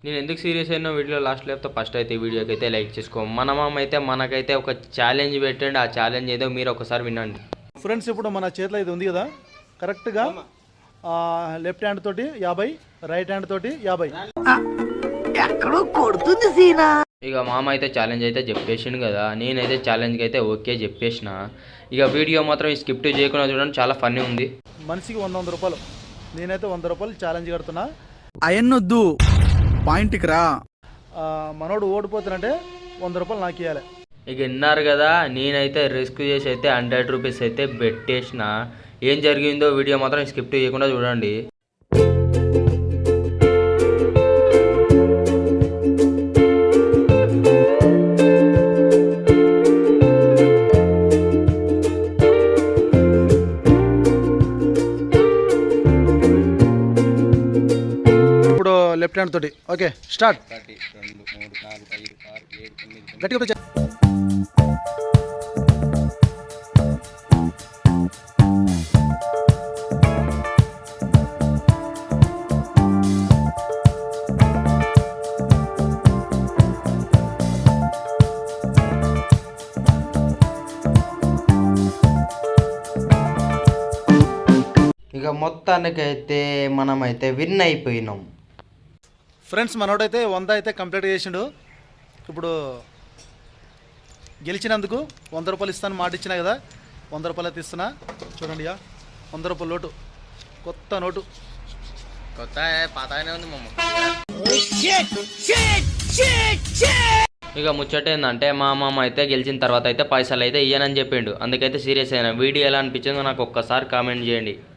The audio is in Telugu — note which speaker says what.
Speaker 1: నేను ఎందుకు సీరియస్ అయినా వీడియో లాస్ట్ లేకపోతే ఫస్ట్ అయితే ఈ వీడియోకి అయితే లైక్ చేసుకో. మన మామ అయితే మనకైతే ఒక ఛాలెంజ్ పెట్టండి. ఆ ఛాలెంజ్ ఏదో మీరు ఒకసారి వినండి.
Speaker 2: ఫ్రెండ్స్, ఇప్పుడు మన చేతిలో ఇది ఉంది కదా, కరెక్ట్గా లెఫ్ట్ హ్యాండ్ తోటి 50, రైట్ హ్యాండ్ తోటి 50.
Speaker 3: ఎక్కడో కొడుతుంది సీనా.
Speaker 1: ఇక మామ అయితే ఛాలెంజ్ అయితే చెప్పేసిండు కదా, నేనైతే ఛాలెంజ్కి అయితే ఓకే చెప్పేసిన. ఇక వీడియో మాత్రం స్కిప్ చేయకుండా చూడండి, చాలా ఫన్నీ ఉంది.
Speaker 2: మనిషికి 100 రూపాయలు. నేనైతే 100 రూపాయలు ఛాలెంజ్ కడుతున్నా.
Speaker 4: అయన్నొద్దు, పాయింట్కి రా.
Speaker 2: మనోడు ఓడిపోతానంటే 100 రూపాయలు నాకు ఇవ్వాలి.
Speaker 1: ఇక విన్నారు కదా, నేనైతే రిస్క్ చేసి అయితే 100 రూపీస్ అయితే పెట్టేసిన. ఏం జరిగిందో వీడియో మాత్రం స్కిప్ చేయకుండా చూడండి.
Speaker 2: ఇప్పుడు లెఫ్ట్ హ్యాండ్ తోటి ఓకే స్టార్ట్.
Speaker 5: 1 2 3 4 5 6 7 8
Speaker 2: గట్టిగా
Speaker 1: ఇక మొత్తానికైతే మనమైతే విన్ అయిపోయినాం.
Speaker 2: ఫ్రెండ్స్, మనోడైతే 100 అయితే కంప్లీట్ చేసిండు. ఇప్పుడు గెలిచినందుకు 100 రూపాయలు ఇస్తాను మాట ఇచ్చినా కదా, 100 రూపాయలు అయితే ఇస్తున్నా. చూడండి, 100 రూపాయల నోటు, కొత్త నోటు.
Speaker 5: కొత్త పాతగానే ఉంది మమ్మ.
Speaker 1: ఇక ముచ్చట ఏంటంటే మా మామ అయితే గెలిచిన తర్వాత అయితే పైసలు అయితే ఇయ్యనని చెప్పిండు. అందుకైతే సీరియస్ అయినా. వీడియో ఎలా అనిపించిందో నాకు ఒక్కసారి కామెంట్ చేయండి.